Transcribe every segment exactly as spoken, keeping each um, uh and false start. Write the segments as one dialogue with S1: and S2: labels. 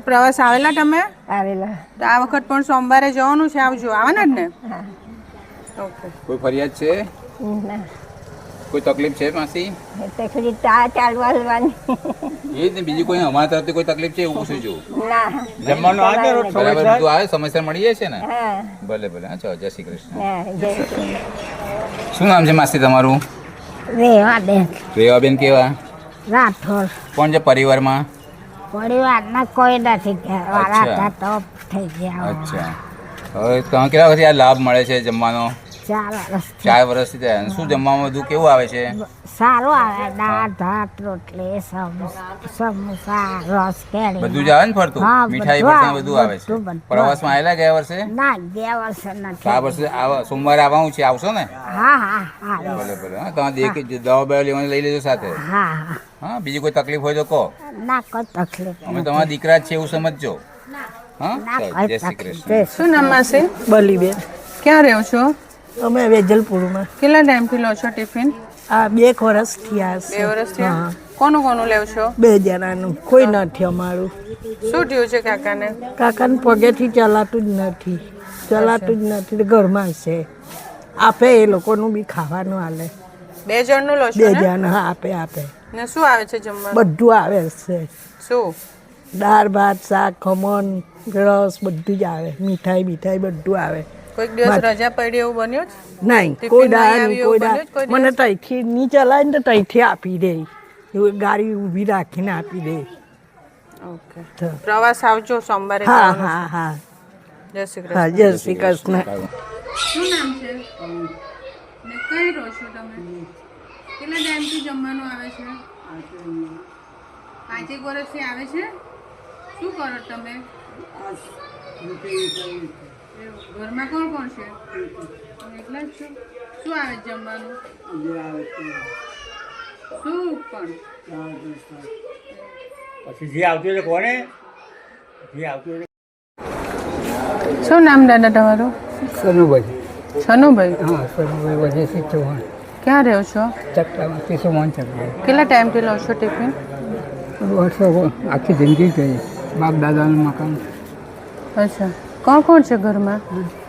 S1: પ્રવાસ આવેલા તમે?
S2: આવેલા.
S1: તો આ વખત પણ સોમવારે જવાનું છે, આવજો. આવવાના જ ને?
S2: હા.
S1: ઓકે.
S3: કોઈ ફરિયાદ છે?
S2: ના.
S3: કોઈ તકલીફ છે માસી?
S2: તકલીફ તા ચાલવા લેવાની.
S3: એ જ ને, બીજી કોઈ અમારા તરફથી કોઈ તકલીફ છે એવું પૂછું?
S2: ના.
S3: જમવાનું આવે બરાબર બધું આવે, સમયસર મળી જાય છે ને?
S2: હા.
S3: ભલે ભલે. હા ચાલો, જય શ્રી કૃષ્ણ.
S2: હા, જય શ્રી.
S3: શું નામ છે માસી તમારું?
S2: રેવાબેન.
S3: રેવાબેન કેવા?
S2: રાઠોડ.
S3: કોણ છે પરિવારમાં?
S2: પરિવારના કોઈ નથી. વાળા હતા તો થઈ ગયા.
S3: અચ્છા. હવે તમે કેટલા વખતથી આ લાભ મળે છે જમવાનો?
S2: ચાર વર્ષ.
S3: ચાર વર્ષથી થયા. શું જમવામાં બધું કેવું આવે છે?
S2: સારું આવે. દાળ ભાત રોટલી સમોસા રસ કેરી
S3: બધું જ આવે ને ફરતું? મીઠાઈ ફરતું બધું આવે છે. પ્રવાસમાં આવેલા ગયા વર્ષે?
S2: ના, ગયા વર્ષે નથી.
S3: આ વર્ષે સોમવારે આવવાનું છે, આવશો ને?
S2: હા હા હા.
S3: ભલે ભલે. હા, તમે દેખ દવા બવા લેવાની લઈ લેજો સાથે.
S2: હા હા.
S3: હા, બીજી કોઈ તકલીફ હોય તો કહો.
S2: ના, કોઈ તકલીફ
S3: અમે તમારા દીકરા જ છે એવું સમજજો. હા, જય શ્રી કૃષ્ણ.
S1: શું નામ માસી?
S4: બલીબેન.
S1: ક્યાં રહો છો?
S4: અમે વેજલપુરમાં.
S1: કેટલા ટાઈમથી લો છો ટિફિન?
S4: આ બે એક વર્ષ થયા
S1: બે
S4: છે.
S1: વર્ષ થયા. કોનું કોનું લેવ છો?
S4: બે જણાનું. કોઈ નથી અમારું.
S1: શું થયું છે કાકાને?
S4: કાકાને પગેથી ચલાતું જ નથી. ચલાતું જ નથી. ઘરમાં છે. આપે એ લોકોનું બી ખાવાનું હાલે.
S1: બે જણનું લો છો
S4: બે
S1: ને?
S4: જણ હા, આપે આપે.
S1: ને શું આવે છે જમવાનું?
S4: બધું આવે છે.
S1: શું?
S4: દાળ ભાત શાક ખમણ રસ બધું જ આવે. મીઠાઈ મીઠાઈ બધું આવે.
S1: કોઈક દિવસ રજા પડી એવું બન્યું છે?
S4: નહીં,
S1: ટિફિન
S4: કોઈ
S1: નહીં
S4: દાળ
S1: આવ્યું
S4: નહીં,
S1: એવું
S4: કોઈ
S1: બન્યું
S4: દાળ.
S1: જ કોઈ
S4: મને
S1: દિવસ?
S4: તઈથી નહીં ચલાય ને તો તઈથી આપી દે. એવું ગાડી ઊભી રાખીને આપી દે.
S1: ઓકે. પ્રવાસ આવજો સોમવારે.
S4: હા
S1: જવાનું છે.
S4: હા હા
S1: જય શ્રી
S4: હા.
S1: કૃષ્ણ.
S4: જય શ્રી કૃષ્ણ.
S1: શું નામ છે? ને કઈ રહો છો તમે? કેટલા ટાઈમથી જમવાનું આવે છે? પાંચેક વર્ષથી આવે છે. શું કરો તમે? એવું. ઘરમાં કોણ કોણ છે? તમે એકલા જ છો? શું આવે છે જમવાનું? શું પણ?
S5: પછી જે આવતું એટલે કોને જે આવતું એટલે
S1: શું નામ દાદા તમારું?
S5: સનુભાઈ.
S1: છનુભાઈ.
S5: હા, સનુભાઈ વજયસિંહ ચૌહાણ.
S1: ક્યાં રહો છો?
S5: ચકલામાં કેશવમાન ચકલા.
S1: કેટલા ટાઈમથી લો છો ટિફિન?
S5: વર્ષો આખી જિંદગી ગઈ. બાપ દાદાનું મકાન.
S1: અચ્છા. કોણ કોણ છે ઘરમાં?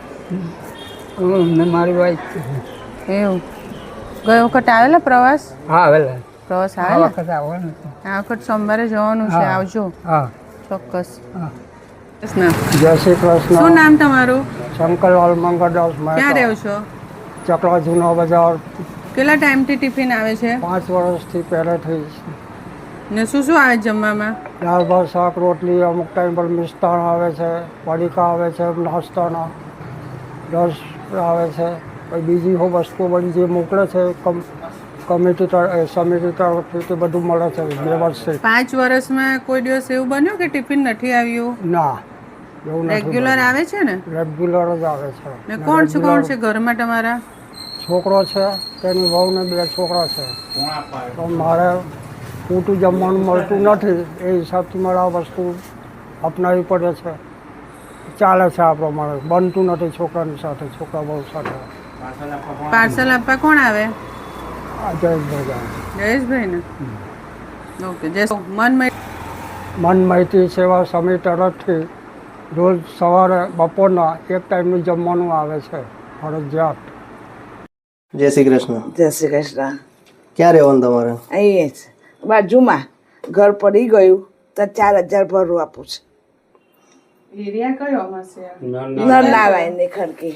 S5: ને મારી વાઈફ.
S1: એવું. ગયો વખત આવેલા પ્રવાસ?
S5: હા, આવેલા.
S1: પ્રવાસ
S5: આ
S1: આવેલા?
S5: વખત આવવાનું છે.
S1: આ વખત સોમવારે જવાનું છે,
S5: હા.
S1: આવજો
S5: હા
S1: ચોક્કસ.
S5: હા.
S1: કૃષ્ણ.
S5: જય શ્રી
S1: શું
S5: કૃષ્ણ.
S1: નામ તમારું?
S5: શંકરલાલ મંગળદાસ
S1: ક્યાં રહો છો?
S5: ચકલા જૂનો બજાર.
S1: કેટલા ટાઈમથી ટિફિન આવે છે?
S5: પાંચ વર્ષથી પહેલેથી
S1: ને શું શું આવે છે જમવામાં?
S5: દાળ ભાત શાક રોટલી, અમુક ટાઈમ પર મિષ્ટાન આવે છે, પડીકા આવે છે, નાસ્તાના રસ આવે છે. પછી બીજી હો વસ્તુ બધી જે મોકલે છે કમ કમિટી તરફ સમિતિ તરફથી તે બધું મળે છે વ્યવસ્થિત.
S1: પાંચ વર્ષમાં કોઈ દિવસ એવું બન્યું કે ટિફિન નથી આવ્યું?
S5: ના, એવું નથી.
S1: રેગ્યુલર આવે છે ને?
S5: રેગ્યુલર જ આવે છે.
S1: ને કોણ છે કોણ છે ઘરમાં તમારા?
S5: છોકરો છે, તેની વહુ ને બે છોકરા છે. તો મારે પૂરતું જમવાનું મળતું નથી, એ હિસાબથી મારે આ વસ્તુ અપનાવવી પડે છે. ચાલે છે આ પ્રમાણે. બનતું નથી છોકરાની સાથે, છોકરા બહુ સાથે.
S1: પાર્સલ આપવા કોણ આવે?
S5: આ જયેશભાઈ
S1: જયેશભાઈ ને? ઓકે. જય મન
S5: મન માહિતી સેવા સમિતિ તરફથી રોજ સવારે બપોરના એક ટાઈમનું જમવાનું આવે છે ફરજિયાત.
S6: જય શ્રી કૃષ્ણ.
S7: જય શ્રી કૃષ્ણ.
S6: ક્યાં રહેવાનું તમારે?
S7: અહીં જ બાજુમાં ઘર પડી ગયું તો ચાર હજાર ભરવું આપું છું.
S1: એરિયા કયો હશે?
S7: નરનારાયણની ખડકી,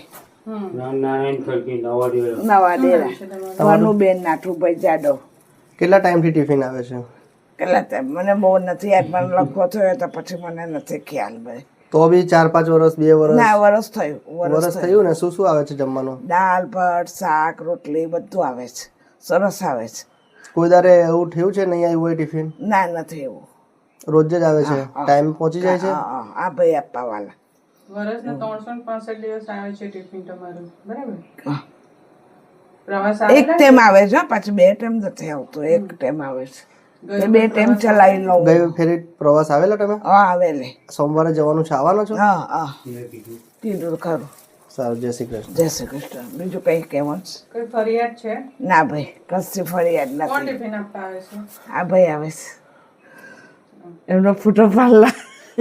S7: નવા ડેરા. ઘરનું બેન નાઠુભાઈ જાડવ.
S6: કેટલા ટાઈમથી ટિફિન આવે છે?
S7: કેટલા ટાઈમ મને બહુ નથી યાદ, મને લખવો થયો તો પછી મને નથી ખ્યાલ ભાઈ.
S6: તો બી ચાર પાંચ વર્ષ બે વર્ષ
S7: ના, વરસ થયું.
S6: વર્ષ થયું ને? શું શું આવે છે જમવાનું?
S7: દાળ ભાત શાક રોટલી બધું આવે છે. સરસ આવે છે.
S6: કોઈ દારે એવું થયું છે નહીં આવ્યું હોય ટિફિન?
S7: ના, નથી એવું.
S6: રોજ જ આવે છે? ટાઈમ પહોંચી જાય છે?
S7: હા, આ ભાઈ આપવા વાળા.
S1: વર્ષના ત્રણસો પાસઠ દિવસ આવે છે ટિફિન તમારું, બરાબર? પ્રવાસ
S7: એક ટાઈમ આવે છે, પાછું બે ટાઈમ નથી આવતું. એક ટાઈમ આવે છે. બે ટાઈમ ચલાવી લઉં.
S6: ગઈ ફેરી પ્રવાસ આવેલા તમે?
S7: હા, આવેલી.
S6: સોમવારે જવાનું છે, આવવાનો છો?
S7: હા હા, કીધું ખરું.
S6: સારું. જય શ્રી કૃષ્ણ.
S7: જય શ્રી કૃષ્ણ. બીજું કઈ કહેવાનું છે?
S1: કોઈ ફરિયાદ છે?
S7: ના ભાઈ, કશી ફરિયાદ
S1: કોણ
S7: નથી.
S1: ટિફિન આપવા આવે છે?
S7: આ ભાઈ આવે છે, એમનો ફોટો પાડલા.